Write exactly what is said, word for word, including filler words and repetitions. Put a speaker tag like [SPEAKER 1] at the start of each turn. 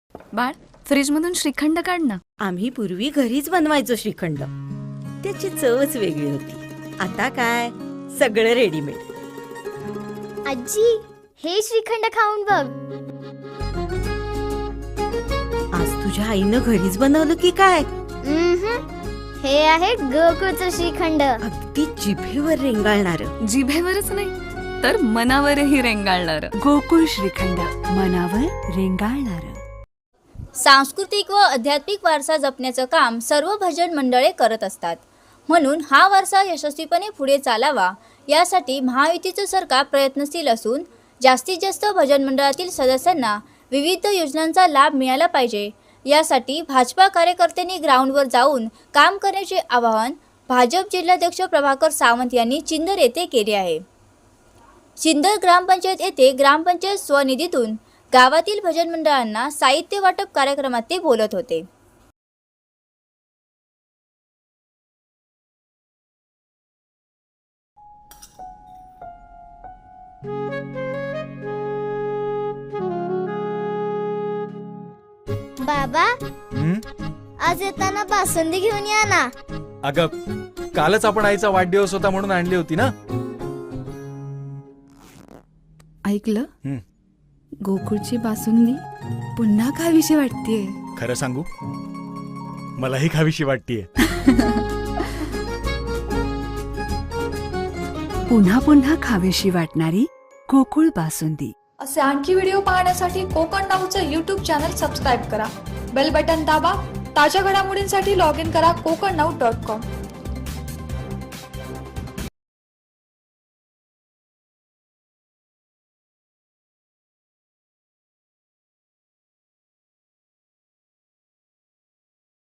[SPEAKER 1] बाळ, फ्रीज मधून श्रीखंड काढ ना.
[SPEAKER 2] आम्ही पूर्वी घरीच बनवायचो श्रीखंड. त्याची चवच वेगळी होती. आता काय सगळं रेडीमेड.
[SPEAKER 3] आजी, हे श्रीखंड खाऊन बघ.
[SPEAKER 2] आज तुझ्या आईनं घरीच बनवलं की काय?
[SPEAKER 3] हे आहे गोकुळचं श्रीखंड.
[SPEAKER 2] अगदी जिभेवर रेंगाळणार.
[SPEAKER 1] जिभेवरच नाही तर मनावरही रेंगाळणार.
[SPEAKER 4] गोकुळ श्रीखंड, मनावर रेंगाळणार.
[SPEAKER 5] सांस्कृतिक व आध्यात्मिक वारसा जपण्याचं काम सर्व भजन मंडळे करत असतात. म्हणून हा वारसा यशस्वीपणे पुढे चालावा यासाठी महायुतीचं सरकार प्रयत्नशील असून जास्तीत जास्त भजन मंडळातील सदस्यांना विविध योजनांचा लाभ मिळाला पाहिजे. यासाठी भाजपा कार्यकर्त्यांनी ग्राउंडवर जाऊन काम करण्याचे आवाहन भाजप जिल्हाध्यक्ष प्रभाकर सावंत यांनी चिंदर येथे केले आहे. चिंदर ग्रामपंचायत येथे ग्रामपंचायत स्वनिधीतून गावातील भजन मंडळांना साहित्य वाटप कार्यक्रमात ते बोलत होते.
[SPEAKER 3] बाबा,
[SPEAKER 6] हं?
[SPEAKER 3] आज येताना बासुंदी घेऊन या ना.
[SPEAKER 6] अगं, कालच आपण आईचा वाढदिवस होता म्हणून आणली होती ना.
[SPEAKER 4] ऐकलं?
[SPEAKER 6] हं.
[SPEAKER 4] गोकुळची बासुंदी पुन्हा खावीशी वाटतेय.
[SPEAKER 6] खरं सांगू, मलाही खावीशी वाटतीये.
[SPEAKER 4] पुन्हा पुन्हा खावीशी वाटणारी गोकुळ बासुंदी.
[SPEAKER 7] असे आणखी व्हिडिओ पाहण्यासाठी कोकण नाऊचं यूट्यूब चॅनल सबस्क्राईब करा. बेल बटन दाबा. ताज्या घडामोडींसाठी लॉग इन करा कोकण नाऊ डॉट कॉम.